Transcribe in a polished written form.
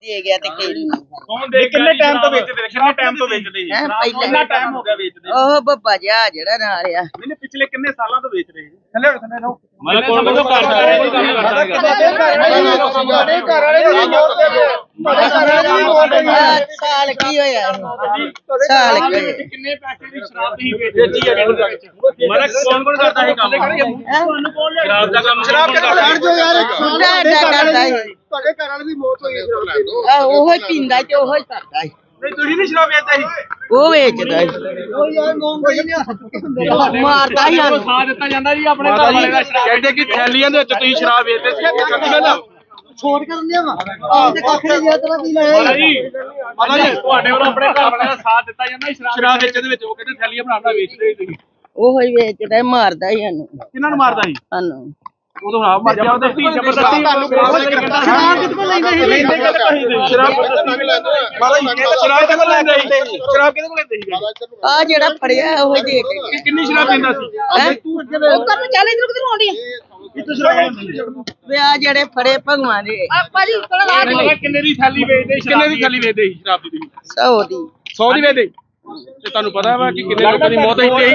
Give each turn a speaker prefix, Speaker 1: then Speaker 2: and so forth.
Speaker 1: ਦੇ ਗਿਆ ਤੇ ਕਿਹੜੀ ਨਹੀਂ
Speaker 2: ਕੌਣ ਦੇ ਕਿੰਨੇ ਟਾਈਮ ਤੋਂ ਵੇਚਦੇ ਕਿੰਨੇ ਟਾਈਮ ਤੋਂ ਵੇਚਦੇ ਜੀ ਕਿੰਨਾ ਟਾਈਮ ਹੋ ਗਿਆ ਵੇਚਦੇ
Speaker 1: ਉਹ ਬੱਬਾ ਜਿਹਾ ਜਿਹੜਾ ਨਾਲ ਆ
Speaker 2: ਮੈਨੇ ਪਿਛਲੇ ਕਿੰਨੇ ਸਾਲਾਂ ਤੋਂ ਵੇਚ ਰਹੇ ਥੱਲੇ ਰਹੋ
Speaker 3: ਮੈਂ ਕੋਲ ਮੈਨੂੰ ਘਰ ਸਾਰੇ ਕੋਈ ਕੰਮ ਕਰਦਾ
Speaker 1: ਸਾਲ ਕੀ ਹੋਇਆ ਸਾਲ ਕੀ ਹੋਇਆ
Speaker 2: ਕਿੰਨੇ ਪੈਸੇ ਦੀ ਸ਼ਰਾਬ ਤੁਸੀਂ ਵੇਚੀ ਹੈ ਮਾਰਾ ਕੌਣ ਕੌਣ ਕਰਦਾ ਹੈ ਕੰਮ ਤੁਹਾਨੂੰ ਕੌਣ ਸ਼ਰਾਬ ਦਾ ਕੰਮ ਸ਼ਰਾਬ ਕਰਦਾ
Speaker 1: ਕਰਦਾ ਹੈ
Speaker 4: ਤੁਹਾਡੇ ਘਰ ਵਾਲੇ ਦੀ ਮੌਤ ਹੋਈ ਹੈ
Speaker 1: ਉਹ ਹੀ ਪੀਂਦਾ ਤੇ ਉਹ ਹੀ ਕਰਦਾ ਹੈ
Speaker 2: ਨਹੀਂ ਤੁਸੀਂ ਨਹੀਂ ਸ਼ਰਾਬ ਵੇਚਦੇ ਸੀ
Speaker 1: ਉਹ ਵੇਚਦਾ ਹੈ
Speaker 4: ਉਹ ਯਾਰ ਮੋਂਗ
Speaker 1: ਮਾਰਦਾ ਹੀ ਸਾਨੂੰ
Speaker 2: ਸਾਥ ਦਿੱਤਾ ਜਾਂਦਾ ਜੀ ਆਪਣੇ ਘਰ ਵਾਲੇ ਦਾ ਸ਼ਰਾਬ ਕਹਿੰਦੇ ਕਿ ਥੈਲੀਆਂ ਦੇ ਵਿੱਚ ਤੁਸੀਂ ਸ਼ਰਾਬ ਵੇਚਦੇ ਸੀ ਇਹ ਸੱਚੀ ਗੱਲ ਆ
Speaker 4: ਛੋੜ ਕਰਨ ਦਿਆ ਵਾ ਆਹ ਤੇ ਕੱਖ ਨਹੀਂ ਜਿਆ ਤੇਰਾ ਕੀ ਲੈ
Speaker 2: ਮਾਤਾ ਜੀ ਤੁਹਾਡੇ ਵੱਲੋਂ ਆਪਣੇ ਘਰ ਵਾਲੇ ਦਾ ਸਾਥ ਦਿੱਤਾ ਜਾਂਦਾ ਸ਼ਰਾਬ ਵੇਚਣ ਦੇ ਵਿੱਚ ਉਹ ਕਹਿੰਦੇ ਥੈਲੀਆਂ ਬਣਾਉਣਾ ਵੇਚਦੇ ਸੀ ਤੁਸੀਂ
Speaker 1: ਉਹ ਹੀ ਵੇਚਦਾ ਮਾਰਦਾ ਹੀ ਸਾਨੂੰ
Speaker 2: ਕਿਹਨਾਂ ਨੂੰ ਮਾਰਦਾ ਸੀ
Speaker 1: ਸਾਨੂੰ
Speaker 2: ਉਦੋਂ ਹਾਂ ਮਰ ਜਾ ਉਹਦੇ ਧੀ ਜ਼ਬਰਦਸਤੀ ਤੁਹਾਨੂੰ ਸ਼ਰਾਬ ਕਿੱਥੋਂ ਲੈਂਦੇ ਸੀ ਸ਼ਰਾਬ ਮਾਤਾ ਜੀ ਸ਼ਰਾਬ ਕਿੱਥੋਂ ਲੈਂਦੇ ਸੀ ਸ਼ਰਾਬ ਕਿਹਦੇ ਕੋਲ ਲੈਂਦੇ ਸੀ
Speaker 1: ਆ ਜਿਹੜਾ ਫੜਿਆ ਉਹ ਹੀ ਦੇ ਕੇ
Speaker 2: ਕਿੰਨੀ ਸ਼ਰਾਬ ਪੀਂਦਾ ਸੀ
Speaker 1: ਉਹ ਕਰਨ ਚੱਲ ਇਧਰ ਕਿਧਰ ਆਉਂਦੀ
Speaker 2: ਕਿੱਥੋਂ ਸ਼ਰਾਬ ਲੈਂਦੇ
Speaker 1: ਵੇ ਆ ਜਿਹੜੇ ਫੜੇ ਭਗਵਾਨ ਦੇ
Speaker 2: ਭਾਜੀ ਕਿੰਨੇ ਦੀ ਥੈਲੀ ਵੇਚਦੇ ਕਿੰਨੇ ਦੀ ਥੈਲੀ ਵੇਚਦੇ ਸੀ ਸ਼ਰਾਬ ਦੀ
Speaker 1: 100 ਦੀ
Speaker 2: 100 ਦੀ ਵੇਚਦੇ ਤੇ ਤੁਹਾਨੂੰ ਪਤਾ ਵਾ ਕਿ ਕਿੰਨੇ ਲੋਕਾਂ ਦੀ ਮੌਤ ਹੋਈ ਤੇ